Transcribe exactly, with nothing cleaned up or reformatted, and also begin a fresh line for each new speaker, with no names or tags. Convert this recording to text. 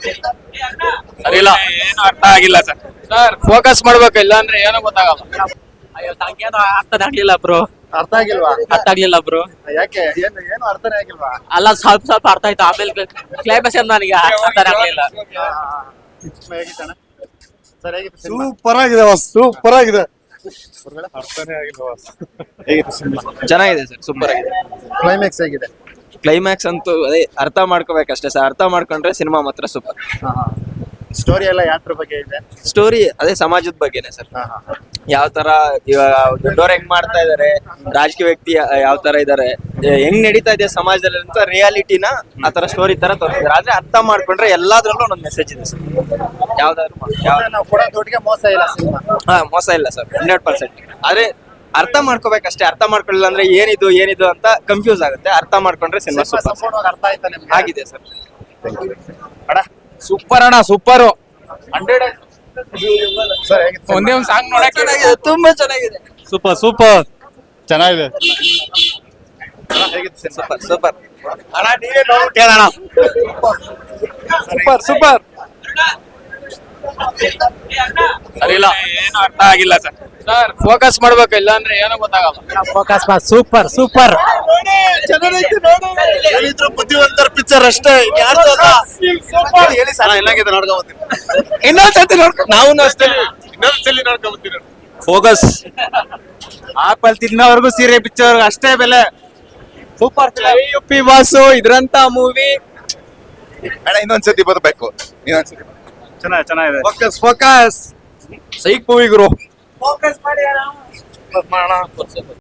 ಸರಿ ಇಲ್ಲ, ಏನು ಅರ್ಥ ಆಗಿಲ್ಲ ಸರ್.
ಸರ್ ಫೋಕಸ್ ಮಾಡ್ಬೇಕು, ಇಲ್ಲ ಅಂದ್ರೆ ಏನೋ ಗೊತ್ತಾಗಲ್ಲ.
ಅಯ್ಯೋ ನಂಗೇನು ಅರ್ಥ ಆಗ್ಲಿಲ್ಲ ಬ್ರೋ.
ಅರ್ಥ ಆಗಿಲ್ವಾ?
ಅರ್ಥ ಆಗ್ಲಿಲ್ಲ ಬ್ರೋ.
ಯಾಕೆ? ಏನು ಏನು ಅರ್ಥನೇ ಆಗಿಲ್ವಾ?
ಅಲ್ಲ ಸ್ವಲ್ಪ ಸ್ವಲ್ಪ ಅರ್ಥ ಆಯ್ತು, ಆಮೇಲೆ ಕ್ಲೈಮ್ಯಾಕ್ಸ್ ನನಗೆ ಅರ್ಥ ಆಗ್ಲಿಲ್ಲ.
ಹೇಗಿತ್ತಣ್ಣ? ಸರ್ ಹೇಗಿತ್ತು ಸಿನಿಮಾ?
ಸೂಪರ್ ಆಗಿದೆ ಬಾಸ್, ಸೂಪರ್ ಆಗಿದೆ.
ಅರ್ಥನೇ ಆಗಿಲ್ವಾ ಬಾಸ್? ಹೇಗಿತ್ತು ಸಿನಿಮಾ?
ಚೆನ್ನಾಗಿದೆ ಸರ್, ಸೂಪರ್ ಆಗಿದೆ.
ಕ್ಲೈಮ್ಯಾಕ್ಸ್ ಹೇಗಿದೆ?
ಕ್ಲೈಮ್ಯಾಕ್ಸ್ ಅಂತೂ ಅದೇ ಅರ್ಥ ಮಾಡ್ಕೋಬೇಕಷ್ಟೇ ಸರ್. ಅರ್ಥ ಮಾಡ್ಕೊಂಡ್ರೆ ಸಿನಿಮಾ ಮಾತ್ರ ಸೂಪರ್.
ಸ್ಟೋರಿ ಎಲ್ಲ ಯಾತ್ರ ಬಗ್ಗೆ ಇದೆ?
ಸ್ಟೋರಿ ಅದೇ ಸಮಾಜದ ಬಗ್ಗೆನೆ ಸರ್.
ಹಾ, ಹಾ, ಹಾ.
ಯಾವ ತರ ಇವಾಗ ದೊಡ್ಡವ್ರು ಹೆಂಗ್ ಮಾಡ್ತಾ ಇದಾರೆ, ರಾಜಕೀಯ ವ್ಯಕ್ತಿ ಯಾವ ತರ ಇದಾರೆ, ಹೆಂಗ್ ನಡೀತಾ ಇದೆ ಸಮಾಜದಲ್ಲಿ ಅಂತ ರಿಯಾಲಿಟಿನ ಆ ತರ ಸ್ಟೋರಿ ತರ ತೋರಿಸಿದ್ದಾರೆ. ಆದ್ರೆ ಅರ್ಥ ಮಾಡ್ಕೊಂಡ್ರೆ ಎಲ್ಲಾದ್ರಲ್ಲೂ ಒಂದೊಂದು ಮೆಸೇಜ್ ಇದೆ ಸರ್. ಯಾವ್ದಾದ್ರು ಮಾಡು. ಯಾವ
ಅಂದ್ರೆ ನಾವು ಕೊಡೋ ದುಡ್ಡಿಗೆ ಮೋಸ ಇಲ್ಲ ಸಿನಿಮಾ.
ಹಾ ಮೋಸ ಇಲ್ಲ ಸರ್, ಹಂಡ್ರೆಡ್ ಪರ್ಸೆಂಟ್. ಆದ್ರೆ ಅರ್ಥ ಮಾಡ್ಕೋಬೇಕಷ್ಟೇ. ಅರ್ಥ ಮಾಡ್ಕೊಳ್ಳಿಲ್ಲ ಅಂದ್ರೆ ಏನಿದು ಏನಿದು ಅಂತ ಕನ್ಫ್ಯೂಸ್ ಆಗುತ್ತೆ. ಅರ್ಥ ಮಾಡ್ಕೊಂಡ್ರೆ ಸಿನಿಮಾ
ಸಿನಿಮಾ
ಸೂಪರ್
ಸಂಪೂರ್ಣವಾಗಿ ಅರ್ಥ ಆಯ್ತಾ ನಿಮ್ಗೆ?
ಆಗಿದೆ ಸರ್.
ಅಣ್ಣ
ಸೂಪರ್ ಅಣ್ಣ, ಸೂಪರ್.
ಹಂಡ್ರೆಡ್ ಸರ್ ಹೇಗಿತ್ತು ಸಿನಿಮಾ?
ಒಂದೇ ಒಂದ್ ಸಾಂಗ್ ನೋಡಕ್ಕೆ
ತುಂಬಾ ಚೆನ್ನಾಗಿದೆ.
ಸೂಪರ್ ಸೂಪರ್ ಚೆನ್ನಾಗಿದೆ.
ಅಣ್ಣ, ಹೇಗಿತ್ತು ಸಿನಿಮಾ?
Super super.
ಅಣ್ಣ ನೀವೇ ನೋಡ್ಬಿಟ್ಟು ಹೇಳೋಣ.
Super super.
ಸರಿ ಇಲ್ಲ, ಏನು ಅರ್ಥ ಆಗಿಲ್ಲ ಸರ್.
ಸರ್ ಫೋಕಸ್ ಮಾಡ್ಬೇಕು, ಇಲ್ಲ ಅಂದ್ರೆ ಏನೋ ಗೊತ್ತಾಗಲ್ಲ.
Focus super super.
ಏನಿದ್ರು ಬುದ್ಧಿವಂತರ ಪಿಕ್ಚರ್ ಅಷ್ಟೇ.
ಹೇಳಿ ಸರ್ ಏನಾಗಿದೆ ನೋಡ್ಕೊಂಡ್
ಇನ್ನೊಂದ್ಸತಿ ನೋಡ್ಕೊ.
ನಾವು ಅಷ್ಟೇ.
ಇನ್ನೊಂದ್ಸಲಿ ನೋಡ್ಕೊಂಡ್ಬರ್ತೀನಿ.
ಫೋಕಸ್.
ಆಪಲ್ ತಿನ್ನೋವರೆಗೂ ಸೀರೆ ಪಿಕ್ಚರ್ ಅಷ್ಟೇ ಬೆಲೆ. ಸೂಪರ್ ಯು ಪಿ ಬಾಸು ಇದ್ರಂತ ಮೂವಿ.
ಅಣ್ಣ ಇನ್ನೊಂದ್ಸತಿ ಬರಬೇಕು, ಇನ್ನೊಂದ್ಸತಿ.
ಚೆನ್ನಾಗಿ ಚೆನ್ನಾಗಿದೆ.
ಫೋಕಸ್ ಫೋಕಸ್ ಸೈಕ್ ಮೂವಿ ಗುರು.
ಫೋಕಸ್ ಮಾಡಿ
ಮಾಡೋಣ.